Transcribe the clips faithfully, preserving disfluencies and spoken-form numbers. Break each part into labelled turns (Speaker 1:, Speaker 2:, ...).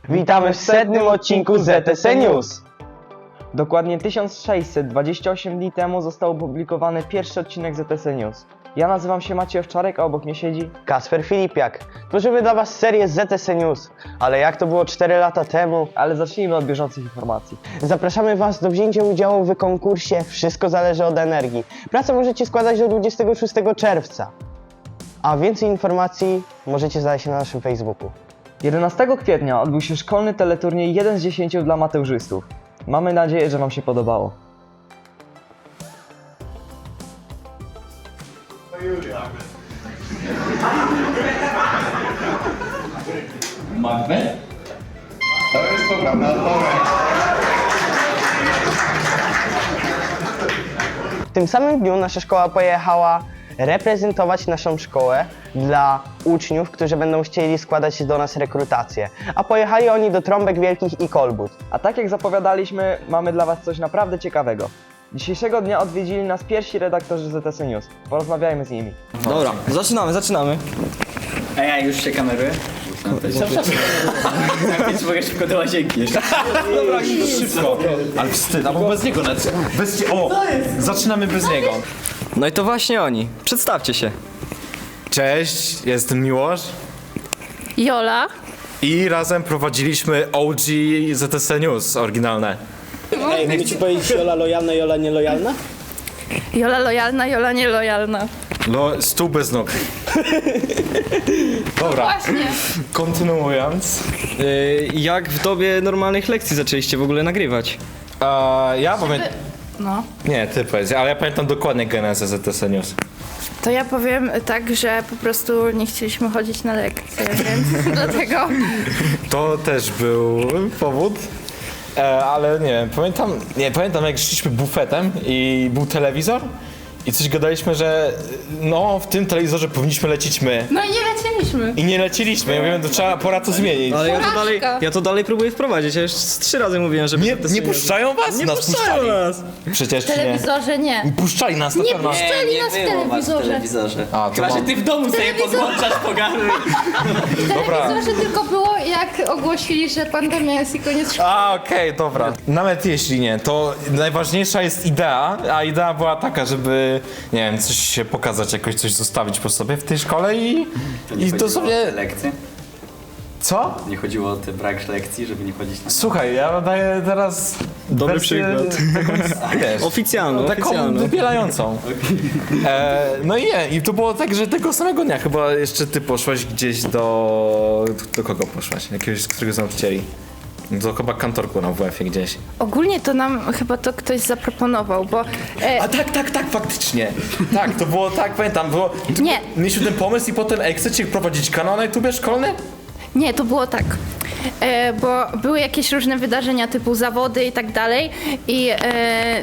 Speaker 1: Witamy w setnym odcinku Z T S News. Dokładnie tysiąc sześćset dwadzieścia osiem dni temu został opublikowany pierwszy odcinek Z T S News. Ja nazywam się Maciej Owczarek, a obok mnie siedzi Kasper Filipiak. Tworzymy dla was serię Z T S News, ale jak to było cztery lata temu? Ale zacznijmy od bieżących informacji. Zapraszamy was do wzięcia udziału w konkursie Wszystko zależy od energii. Pracę możecie składać do dwudziestego szóstego czerwca. A więcej informacji możecie znaleźć na naszym Facebooku. jedenastego kwietnia odbył się szkolny teleturniej jeden z dziesięciu dla mateuszystów. Mamy nadzieję, że wam się podobało.
Speaker 2: Macbeth? To jest poprawna odpowiedź.
Speaker 1: W tym samym dniu nasza szkoła pojechała reprezentować naszą szkołę dla uczniów, którzy będą chcieli składać do nas rekrutację. A pojechali oni do Trąbek Wielkich i Kolbut. A tak jak zapowiadaliśmy, mamy dla was coś naprawdę ciekawego. Dzisiejszego dnia odwiedzili nas pierwsi redaktorzy Z T S News. Porozmawiajmy z nimi.
Speaker 3: Dobra, zaczynamy, zaczynamy.
Speaker 4: Ej, ej, już się kameruję? Więc mogę szybko do łazienki jeszcze.
Speaker 3: Dobra, szybko.
Speaker 2: Ale wstyd, albo bez niego nawet. Bez cie... O! Zaczynamy bez niego.
Speaker 3: No i to właśnie oni. Przedstawcie się.
Speaker 2: Cześć, jestem Miłosz
Speaker 5: Jola.
Speaker 2: i razem prowadziliśmy O G Z T S News oryginalne.
Speaker 6: Ej, mogę ci powiedzieć Jola lojalna, Jola nielojalna?
Speaker 5: Jola lojalna, Jola nielojalna.
Speaker 2: No, stół bez nóg. Dobra,
Speaker 5: Właśnie.
Speaker 2: kontynuując.
Speaker 3: Yy, jak w dobie normalnych lekcji zaczęliście w ogóle nagrywać?
Speaker 2: A, ja pamiętam...
Speaker 5: No.
Speaker 2: Nie, ty powiedz, ale ja pamiętam dokładnie genezę Z T S News.
Speaker 5: To ja powiem tak, że po prostu nie chcieliśmy chodzić na lekcje, więc dlatego...
Speaker 2: To też był powód. E, ale nie wiem, pamiętam, nie, pamiętam jak szliśmy bufetem i był telewizor i coś gadaliśmy, że no w tym telewizorze powinniśmy lecieć my.
Speaker 5: No i nie leciliśmy.
Speaker 2: I nie leciliśmy, ja mówiłem, to trzeba, pora to zmienić.
Speaker 3: Ale ja to
Speaker 5: Porażka.
Speaker 3: dalej, ja to dalej próbuję wprowadzić. Ja już z trzy razy mówiłem, że...
Speaker 2: Nie, nie puszczają was?
Speaker 3: Nie
Speaker 2: nas
Speaker 3: puszczają
Speaker 2: puszczali.
Speaker 3: nas.
Speaker 2: Przecież
Speaker 5: W
Speaker 2: czy nie.
Speaker 5: telewizorze nie.
Speaker 2: Puszczali nas na
Speaker 5: Nie
Speaker 2: pewno.
Speaker 5: puszczali nas w telewizorze.
Speaker 4: telewizorze.
Speaker 2: A, to
Speaker 4: Chyba, że
Speaker 2: mam-
Speaker 4: ty w domu sobie podłączasz pogaduj.
Speaker 5: W telewizorze tylko było, jak ogłosili, że pandemia jest i koniec szkoły.
Speaker 2: A, okej, dobra. Nawet jeśli nie, to najważniejsza jest idea, a idea była taka, żeby, nie wiem, coś się pokazać, jakoś coś zostawić po sobie w tej szkole i, i to sobie...
Speaker 4: Lekcje?
Speaker 2: Co?
Speaker 4: Nie chodziło o te brak lekcji, żeby nie chodzić na...
Speaker 2: Słuchaj, ja daję teraz
Speaker 3: Dobry
Speaker 2: wersję
Speaker 3: przykład.
Speaker 2: Taką, wiesz,
Speaker 3: Oficjalną,
Speaker 2: taką
Speaker 3: oficjalną.
Speaker 2: wybielającą. E, no i nie, i to było tak, że tego samego dnia chyba jeszcze ty poszłaś gdzieś do... Do kogo poszłaś? Jakiegoś z którego z nauczycieli? Do chyba kantorku na W F-ie gdzieś.
Speaker 5: Ogólnie to nam chyba to ktoś zaproponował, bo... E,
Speaker 2: A tak, tak, tak, faktycznie. Tak, to było tak, pamiętam, było...
Speaker 5: Nie.
Speaker 2: Mieliśmy ten pomysł i potem, ej, chcecie prowadzić kanał na YouTubie szkolny?
Speaker 5: Nie, to było tak, e, bo były jakieś różne wydarzenia typu zawody i tak dalej i e,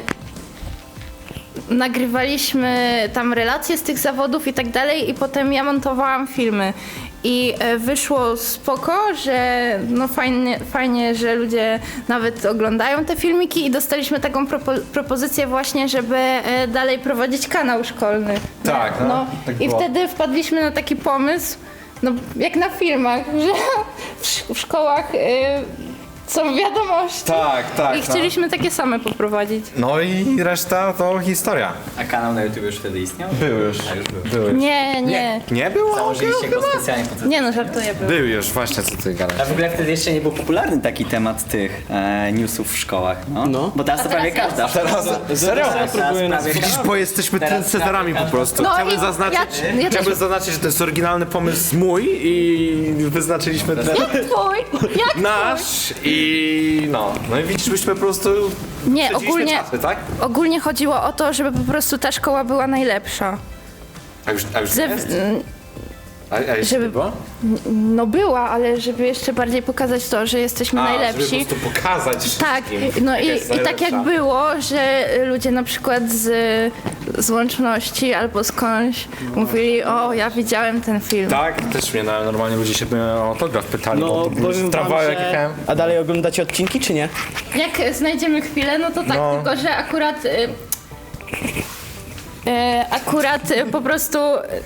Speaker 5: nagrywaliśmy tam relacje z tych zawodów i tak dalej i potem ja montowałam filmy i e, wyszło spoko, że no fajnie, fajnie, że ludzie nawet oglądają te filmiki i dostaliśmy taką propo- propozycję właśnie, żeby e, dalej prowadzić kanał szkolny.
Speaker 2: Tak, no,
Speaker 5: no.
Speaker 2: tak
Speaker 5: I
Speaker 2: było.
Speaker 5: wtedy wpadliśmy na taki pomysł, no jak na filmach, że w, sz- w szkołach y, są wiadomości.
Speaker 2: Tak, tak.
Speaker 5: I chcieliśmy takie same poprowadzić.
Speaker 2: No i reszta to historia.
Speaker 4: A kanał na YouTube już wtedy istniał?
Speaker 2: Był już.
Speaker 4: A już był.
Speaker 2: Był.
Speaker 5: Nie, nie.
Speaker 2: Nie było?
Speaker 4: Założyliście go specjalnie po co?
Speaker 5: Nie no, żartuję. Był.
Speaker 2: Był już, właśnie co ty gadasz.
Speaker 4: A w ogóle wtedy jeszcze nie był popularny taki temat tych e, newsów w szkołach, no.
Speaker 6: No.
Speaker 4: Bo teraz to prawie
Speaker 5: teraz
Speaker 4: każda.
Speaker 2: Teraz, serio?
Speaker 4: Teraz prawie
Speaker 2: Widzisz,
Speaker 4: każda.
Speaker 2: bo jesteśmy
Speaker 4: Teraz
Speaker 2: trendsetterami po
Speaker 4: prawie
Speaker 2: prostu.
Speaker 5: No
Speaker 2: Chciałbym
Speaker 5: i
Speaker 2: zaznaczyć,
Speaker 5: ja- ja też-
Speaker 2: chciałbym zaznaczyć, że to jest oryginalny pomysł mój i wyznaczyliśmy trend
Speaker 5: Twój? Jak
Speaker 2: nasz i no. No i widzisz, byśmy po prostu
Speaker 5: Nie,
Speaker 2: śledziliśmy
Speaker 5: ogólnie,
Speaker 2: czasy, tak?
Speaker 5: ogólnie chodziło o to, żeby po prostu ta szkoła była najlepsza.
Speaker 2: A już, a już
Speaker 5: Ze,
Speaker 2: jest? A, a jeszcze
Speaker 5: żeby-
Speaker 2: nie było?
Speaker 5: no była, ale żeby jeszcze bardziej pokazać to, że jesteśmy
Speaker 2: A,
Speaker 5: najlepsi.
Speaker 2: żeby po prostu pokazać
Speaker 5: Tak,
Speaker 2: wszystkim,
Speaker 5: no
Speaker 2: jaka
Speaker 5: i,
Speaker 2: jest
Speaker 5: i tak
Speaker 2: najlepsza.
Speaker 5: jak było, że ludzie na przykład z, z łączności albo skądś mówili, o ja widziałem ten film.
Speaker 2: Tak, też mnie na, normalnie ludzie się mnie o autograf pytali,
Speaker 6: No,
Speaker 2: bo to był
Speaker 6: powiem wam,
Speaker 2: tramwaj, jak
Speaker 6: że...
Speaker 2: jechałem.
Speaker 6: A dalej oglądacie odcinki, czy nie?
Speaker 5: Jak znajdziemy chwilę, no to tak,
Speaker 2: No.
Speaker 5: tylko że akurat y, y, akurat y, po prostu y,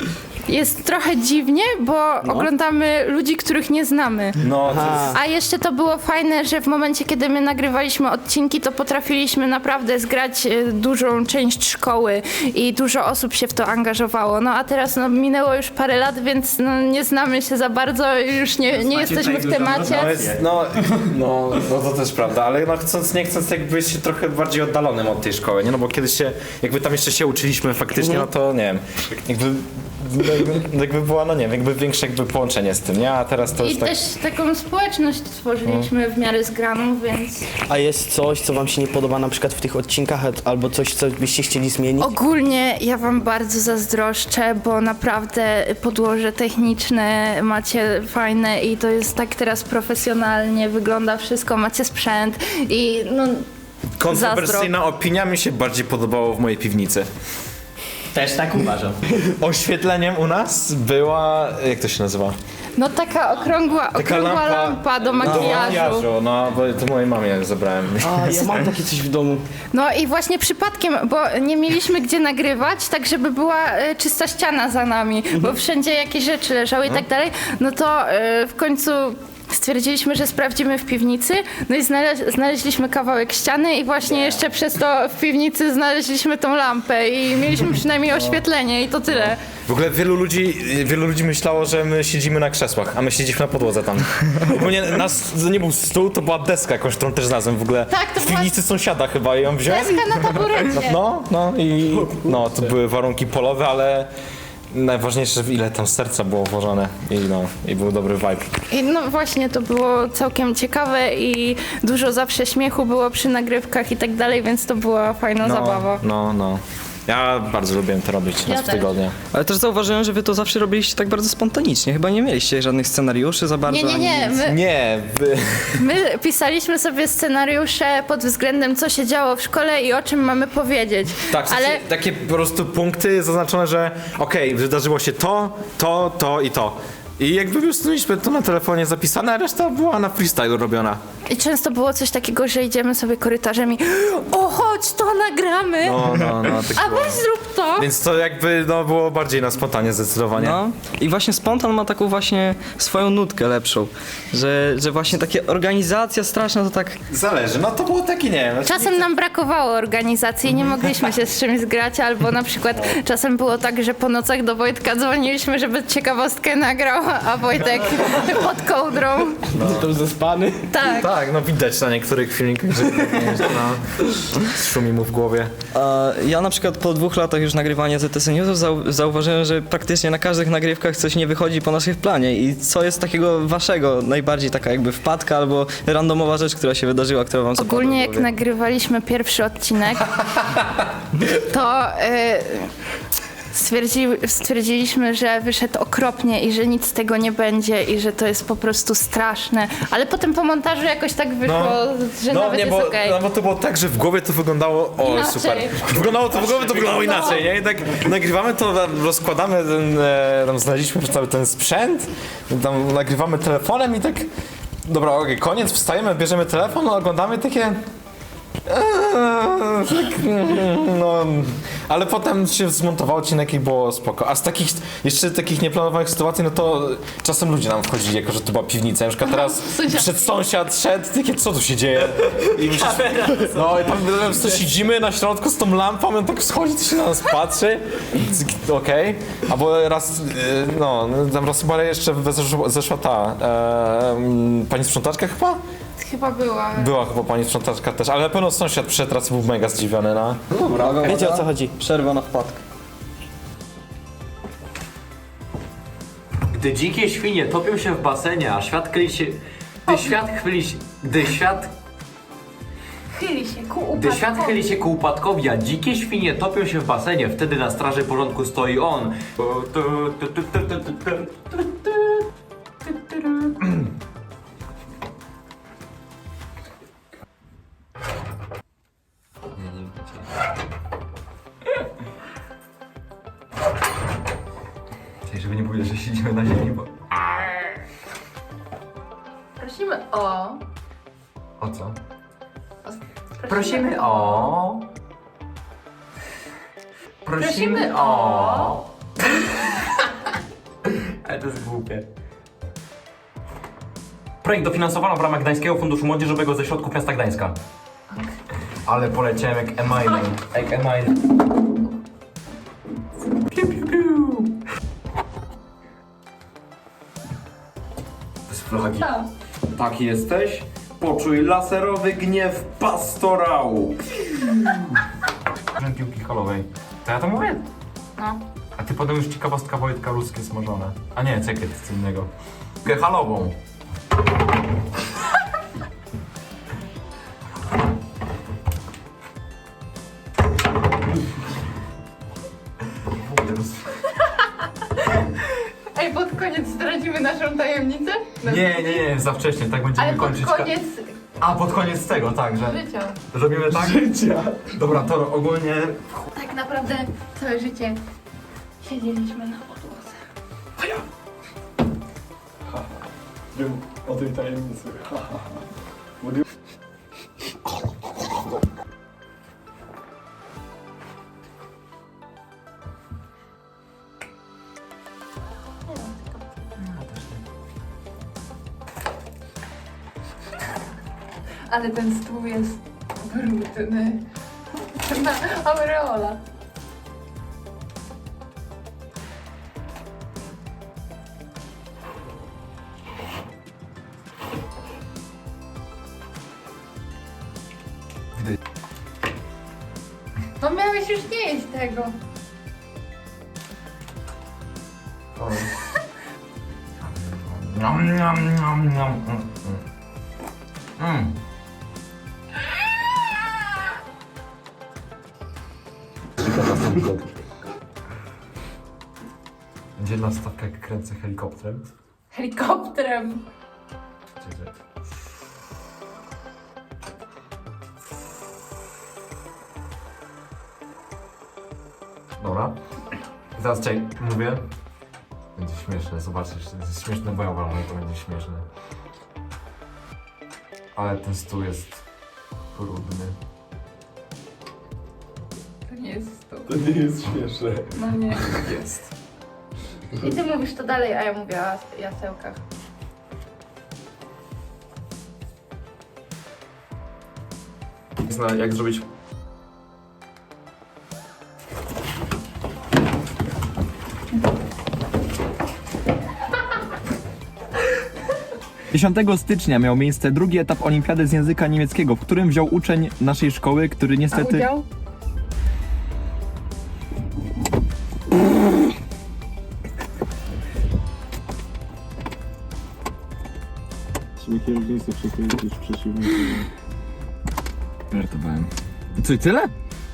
Speaker 5: jest trochę dziwnie, bo oglądamy ludzi, których nie znamy.
Speaker 2: No, to jest...
Speaker 5: A jeszcze to było fajne, że w momencie, kiedy my nagrywaliśmy odcinki, to potrafiliśmy naprawdę zgrać e, dużą część szkoły i dużo osób się w to angażowało. No a teraz no, minęło już parę lat, więc no, nie znamy się za bardzo i już nie, nie jesteśmy w temacie.
Speaker 2: No, jest, no, no, no to też prawda, ale no chcąc nie chcąc jakby się trochę bardziej oddalonym od tej szkoły, nie? No bo kiedyś się, jakby tam jeszcze się uczyliśmy faktycznie, no to nie wiem, jakby, jakby, jakby była, no nie wiem, jakby większe jakby połączenie z tym, nie? A teraz to
Speaker 5: I
Speaker 2: już tak...
Speaker 5: też taką społeczność stworzyliśmy w miarę zgraną, więc...
Speaker 6: A jest coś, co wam się nie podoba na przykład w tych odcinkach, albo coś, co byście chcieli zmienić?
Speaker 5: Ogólnie ja wam bardzo zazdroszczę, bo naprawdę podłoże techniczne macie fajne i to jest tak teraz profesjonalnie wygląda wszystko, macie sprzęt i no
Speaker 2: Kontrowersyjna opinia mi się bardziej podobało w mojej piwnicy.
Speaker 4: Też tak uważam.
Speaker 2: Oświetleniem u nas była, jak to się nazywa?
Speaker 5: no taka okrągła, okrągła
Speaker 2: lampa
Speaker 5: lampa do makijażu.
Speaker 2: No, bo to mojej mamie zabrałem.
Speaker 6: A, ja mam takie coś w domu.
Speaker 5: No i właśnie przypadkiem, bo nie mieliśmy gdzie nagrywać, tak żeby była e, czysta ściana za nami, bo wszędzie jakieś rzeczy leżały i tak dalej, no to e, w końcu stwierdziliśmy, że sprawdzimy w piwnicy, no i znale- znaleźliśmy kawałek ściany i właśnie jeszcze przez to w piwnicy znaleźliśmy tą lampę i mieliśmy przynajmniej oświetlenie i to tyle.
Speaker 2: W ogóle wielu ludzi, wielu ludzi myślało, że my siedzimy na krzesłach, a my siedzimy na podłodze tam. Ogólnie nas, to nie był stół, to była deska jakąś, którą też znalazłem w ogóle.
Speaker 5: Tak, to
Speaker 2: w
Speaker 5: była-
Speaker 2: piwnicy sąsiada chyba i ją wziąłem.
Speaker 5: Deska na taburecie.
Speaker 2: No, no i no, to były warunki polowe, ale najważniejsze, ile tam serca było włożone i no, i był dobry vibe.
Speaker 5: I no właśnie, to było całkiem ciekawe i dużo zawsze śmiechu było przy nagrywkach i tak dalej, więc to była fajna
Speaker 2: No,
Speaker 5: zabawa.
Speaker 2: no, no. Ja bardzo lubiłem to robić
Speaker 5: Ja
Speaker 2: raz w
Speaker 5: też.
Speaker 2: tygodniu.
Speaker 3: Ale też zauważyłem, że wy to zawsze robiliście tak bardzo spontanicznie. Chyba nie mieliście żadnych scenariuszy za bardzo.
Speaker 5: Nie, nie,
Speaker 3: ani
Speaker 5: nie.
Speaker 3: nic.
Speaker 5: My,
Speaker 2: Nie, wy...
Speaker 5: my pisaliśmy sobie scenariusze pod względem, co się działo w szkole i o czym mamy powiedzieć.
Speaker 2: Tak, w sensie
Speaker 5: ale
Speaker 2: takie po prostu punkty zaznaczone, że okej, wydarzyło się to, to, to i to. I jakby po prostu mieliśmy to na telefonie zapisane, a reszta była na freestyle robiona.
Speaker 5: i często było coś takiego, że idziemy sobie korytarzem i o, chodź, to nagramy,
Speaker 2: No, no, no. Tak
Speaker 5: a
Speaker 2: było.
Speaker 5: weź zrób to.
Speaker 2: Więc to jakby no, było bardziej na spontanie zdecydowanie.
Speaker 3: No i właśnie spontan ma taką właśnie swoją nutkę lepszą, że, że właśnie takie organizacja straszna to tak...
Speaker 2: Zależy, no to było takie, nie wiem.
Speaker 5: Czasem nam brakowało organizacji, nie mogliśmy się z czymś zgrać, albo na przykład czasem było tak, że po nocach do Wojtka dzwoniliśmy, żeby ciekawostkę nagrał, a Wojtek pod kołdrą.
Speaker 6: To zespany.
Speaker 5: Tak.
Speaker 2: Tak, no widać na niektórych filmikach, że no, szumi mu w głowie.
Speaker 3: A ja na przykład po dwóch latach już nagrywania Z T S Newsów zau- zauważyłem, że praktycznie na każdych nagrywkach coś nie wychodzi po naszych planie. I co jest takiego waszego, najbardziej taka jakby wpadka albo randomowa rzecz, która się wydarzyła, która wam zapadła
Speaker 5: Ogólnie
Speaker 3: w
Speaker 5: jak
Speaker 3: głowie?
Speaker 5: nagrywaliśmy pierwszy odcinek, to y, stwierdzi, stwierdziliśmy, że wyszedł okropnie i że nic z tego nie będzie i że to jest po prostu straszne. Ale potem po montażu jakoś tak wyszło, że
Speaker 2: no,
Speaker 5: nawet
Speaker 2: nie,
Speaker 5: jest
Speaker 2: bo,
Speaker 5: okej.
Speaker 2: no bo to było tak, że w głowie to wyglądało, o
Speaker 5: Inaczej.
Speaker 2: super, wyglądało to w głowie to wyglądało inaczej, nie? I tak nagrywamy to, rozkładamy, ten, e, tam znaleźliśmy cały ten sprzęt, tam nagrywamy telefonem i tak, dobra, okej, koniec, wstajemy, bierzemy telefon, oglądamy takie... Eee, tak, no, ale potem się zmontował odcinek i było spoko. A z takich, jeszcze takich nieplanowanych sytuacji, no to czasem ludzie nam wchodzili, jako że to była piwnica. Na przykład teraz
Speaker 5: sąsiad.
Speaker 2: przed sąsiad szedł, takie, co tu się dzieje? I myślisz, no i tam po prostu siedzimy na środku z tą lampą, on tak schodzi, to się na nas patrzy. Okej. Okay. Albo raz, no, tam raz chyba jeszcze zeszła, zeszła ta, e, pani sprzątaczka chyba?
Speaker 5: Chyba była.
Speaker 2: Była chyba pani sprzątaczka też, ale na pewno sąsiad przyszedł raz i był mega zdziwiony, no.
Speaker 6: Wiecie, o co chodzi?
Speaker 3: Przerwa na wpadkę.
Speaker 7: Gdy dzikie świnie topią się w basenie, a świat kryli się... Gdy świat chwyli się... Gdy świat...
Speaker 5: Chyli się ku
Speaker 7: Gdy świat chyli się ku upadkowi, a dzikie świnie topią się w basenie, wtedy na straży porządku stoi on. Żeby nie powiedzieć, że siedzimy na ziemi, bo...
Speaker 5: Prosimy o...
Speaker 7: O co? Prosimy o... Prosimy o... to jest głupie. Projekt dofinansowano w ramach Gdańskiego Funduszu Młodzieżowego ze środków miasta Gdańska. Ale poleciałem jak Eminem. Jak Eminem. Piu, piu, piu. To jest flagi. Taki jesteś? Poczuj laserowy gniew pastorału. Piłki halowej. To ja to mówię?
Speaker 5: No.
Speaker 7: A ty potem już ciekawostka Wojtka ruskie smażone. A nie, czekaj, to jest co innego. Piłkę halową.
Speaker 5: Ej, pod koniec zdradzimy naszą tajemnicę?
Speaker 7: Nie, nie, nie, za wcześnie, tak będziemy
Speaker 5: Ale pod
Speaker 7: kończyć.
Speaker 5: koniec
Speaker 7: A, pod koniec tego, tak, że
Speaker 5: życia.
Speaker 7: robimy tak? Życia. Dobra, to ogólnie...
Speaker 5: Tak naprawdę całe życie siedzieliśmy na podłodze.
Speaker 2: Wiem o tej tajemnicy.
Speaker 5: Ale ten stół jest brudny. Na aureola. No miałeś już nie jeść tego.
Speaker 7: Niam, niam, niam, niam. Mm, mm. Mm. Dzielna stawka, jak kręcę helikopterem.
Speaker 5: Helikopterem.
Speaker 7: Czekaj. Dobra. I teraz czekaj, mówię. Będzie śmieszne, zobaczysz. To jest śmieszne, bo ja uważam, że to będzie śmieszne. Ale ten stół jest brudny.
Speaker 5: To nie jest stół.
Speaker 2: To nie jest śmieszne.
Speaker 5: No nie.
Speaker 7: Jest.
Speaker 5: I ty mówisz to dalej, a ja mówię o jasełkach.
Speaker 7: Zna, jak zrobić...
Speaker 8: dziesiątego stycznia miał miejsce drugi etap olimpiady z języka niemieckiego, w którym wziął uczeń naszej szkoły, który niestety...
Speaker 5: A udział?
Speaker 8: Kierownicę przekręcić w przeciwnym. Żartowałem. Co i tyle?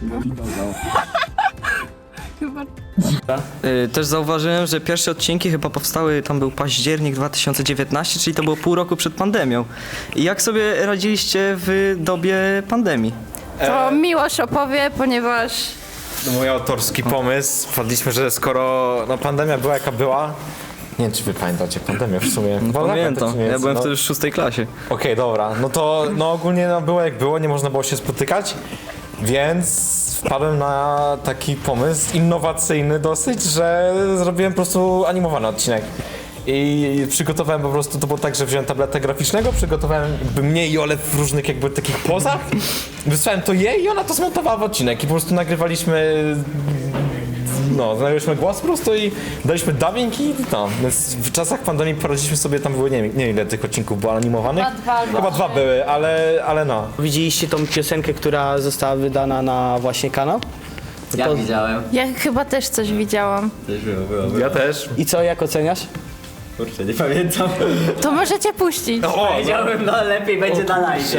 Speaker 3: Y, Też zauważyłem, że pierwsze odcinki chyba powstały, tam był październik dwa tysiące dziewiętnasty, czyli to było pół roku przed pandemią. I jak sobie radziliście w dobie pandemii?
Speaker 5: To Miłosz opowie, ponieważ
Speaker 2: No, mój autorski pomysł. Wpadliśmy, że skoro no, pandemia była jaka była. Nie wiem, czy wy pamiętacie pandemię w sumie. Chyba
Speaker 3: Pamiętam,
Speaker 2: czy nie?
Speaker 3: ja byłem
Speaker 2: no,
Speaker 3: wtedy w szóstej klasie.
Speaker 2: Okej, dobra. No to no, ogólnie no, było jak było, nie można było się spotykać. Więc wpadłem na taki pomysł innowacyjny dosyć, że zrobiłem po prostu animowany odcinek. I przygotowałem po prostu, to było tak, że wziąłem tabletę graficznego, przygotowałem jakby mnie i Ole w różnych jakby takich pozach, wysłałem to jej i ona to zmontowała w odcinek i po prostu nagrywaliśmy, no, nagrywaliśmy głos po prostu i daliśmy dubbing i no, więc w czasach pandemii poradziliśmy sobie, tam było, nie wiem, nie wiem ile tych odcinków było animowanych.
Speaker 5: Chyba dwa albo
Speaker 2: Chyba dwa
Speaker 5: trzy.
Speaker 2: były, ale, ale no.
Speaker 6: Widzieliście tą piosenkę, która została wydana na właśnie kanał?
Speaker 4: Ja
Speaker 6: To-
Speaker 4: widziałem.
Speaker 5: ja chyba też coś widziałam.
Speaker 4: Też było, było, było.
Speaker 2: Ja też.
Speaker 6: I co, jak oceniasz?
Speaker 4: Kurczę, nie pamiętam.
Speaker 5: To możecie puścić.
Speaker 2: O,
Speaker 4: Powiedziałem, no lepiej będzie na live.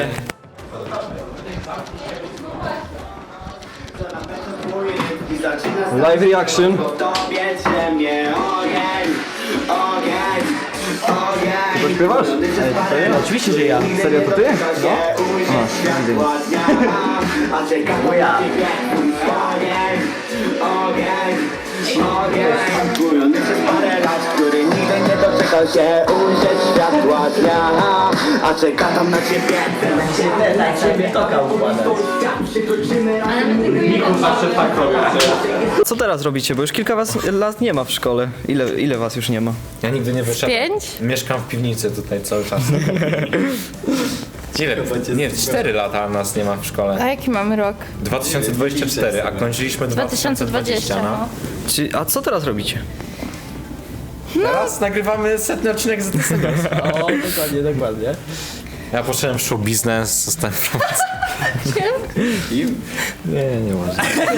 Speaker 8: Live reaction. Ty śpiewasz?
Speaker 6: Oczywiście, że ja.
Speaker 8: Serio, to ty?
Speaker 9: Górony przez parę lat, który nigdy nie doczekał się ujrzeć światła dnia.
Speaker 6: a czeka tam na ciebie.
Speaker 4: Na ciebie toka układać.
Speaker 2: Zawsze tak robię.
Speaker 3: Co teraz robicie? Bo już kilka was lat nie ma w szkole. Ile, ile was już nie ma?
Speaker 2: Ja nigdy nie wyszedłem.
Speaker 5: Pięć?
Speaker 2: Mieszkam w piwnicy tutaj cały czas. Ile? Nie, cztery lata nas nie ma w szkole.
Speaker 5: A jaki mamy rok?
Speaker 2: dwa tysiące dwudziesty czwarty, a kończyliśmy dwa tysiące dwudziesty. No.
Speaker 3: Czy, a co teraz robicie?
Speaker 2: Teraz nagrywamy setny odcinek z Z T Seniors.
Speaker 6: O, dokładnie, dokładnie.
Speaker 2: Ja poszedłem w show biznes, zostałem prowadzony. Nie, nie można.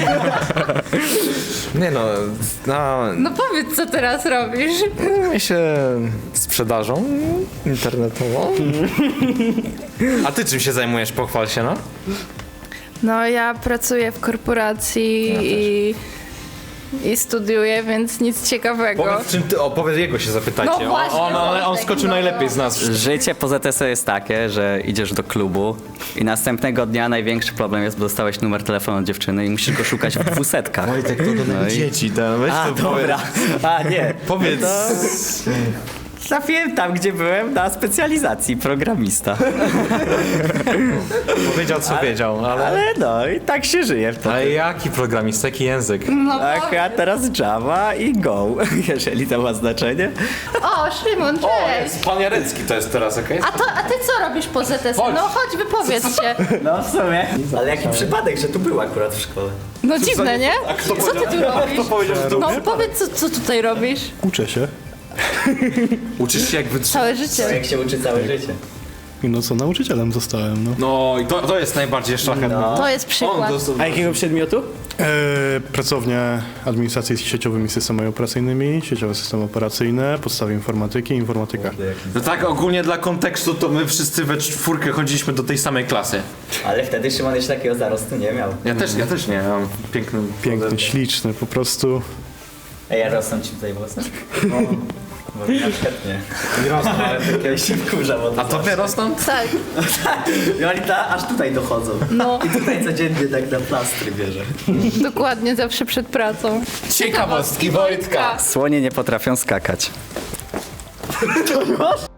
Speaker 2: Nie no, no,
Speaker 5: No powiedz, co teraz robisz.
Speaker 2: zajmuję się sprzedażą internetową. A ty czym się zajmujesz? Pochwal się, no.
Speaker 5: No ja pracuję w korporacji i, i studiuję, więc nic ciekawego.
Speaker 2: Powiedz czym ty, o, powiedz jego się zapytajcie.
Speaker 5: No właśnie,
Speaker 2: on, on, on, on
Speaker 5: Wojtek,
Speaker 2: skoczył
Speaker 5: no.
Speaker 2: najlepiej z nas.
Speaker 4: Życie po Z T S jest takie, że idziesz do klubu i następnego dnia największy problem jest, bo dostałeś numer telefonu od dziewczyny i musisz go szukać w dwusetkach.
Speaker 2: Wojtek, to do
Speaker 4: No i-
Speaker 2: dzieci, ten, weź
Speaker 4: A,
Speaker 2: to
Speaker 4: dobra. A, nie.
Speaker 2: Powiedz.
Speaker 4: Trafiłem tam, gdzie byłem na specjalizacji programista.
Speaker 2: Powiedział co wiedział, ale...
Speaker 4: Ale no i tak się żyje w to.
Speaker 2: Ale jaki programista, jaki język?
Speaker 5: No
Speaker 4: Tak,
Speaker 5: powiedz.
Speaker 4: a teraz Java i Go, jeżeli to ma znaczenie.
Speaker 5: O, Szymon, cześć!
Speaker 2: Pan Jarecki to jest teraz, okej?
Speaker 5: A, to, a ty co robisz po Z T S? No chodź, wypowiedz się.
Speaker 4: No w sumie. Ale jaki przypadek, że tu był akurat w szkole.
Speaker 5: No dziwne, nie? Co ty tu robisz?
Speaker 2: powiedział, że
Speaker 5: No powiedz, co, co tutaj robisz?
Speaker 9: Uczę się.
Speaker 2: Uczysz się jak wytrzymać.
Speaker 5: Całe życie.
Speaker 4: Jak się uczy całe życie.
Speaker 9: I no co, nauczycielem zostałem, no.
Speaker 2: No i to, to jest najbardziej szlachetne.
Speaker 5: To jest przykład.
Speaker 6: A jakiego przedmiotu?
Speaker 9: E, pracownia administracji z sieciowymi systemami operacyjnymi, sieciowe systemy operacyjne, podstawy informatyki, informatyka.
Speaker 2: No tak ogólnie dla kontekstu to my wszyscy we czwórkę chodziliśmy do tej samej klasy.
Speaker 4: Ale wtedy Szymon jeszcze takiego zarostu nie miał.
Speaker 2: Ja też, ja też nie, ja mam piękny...
Speaker 9: Piękny, śliczny, po prostu.
Speaker 4: Ej, ja rosną ci tutaj włosy? No. Bo mi na przykład nie.
Speaker 2: Nie rosną, ale
Speaker 4: Ja się wkurzam od
Speaker 2: A to wie rosną?
Speaker 5: Tak.
Speaker 4: I oni ta, aż tutaj dochodzą.
Speaker 5: No,
Speaker 4: I tutaj codziennie tak na plastry bierze.
Speaker 5: dokładnie, zawsze przed pracą.
Speaker 2: Ciekawostki Wojtka!
Speaker 4: Słonie nie potrafią skakać.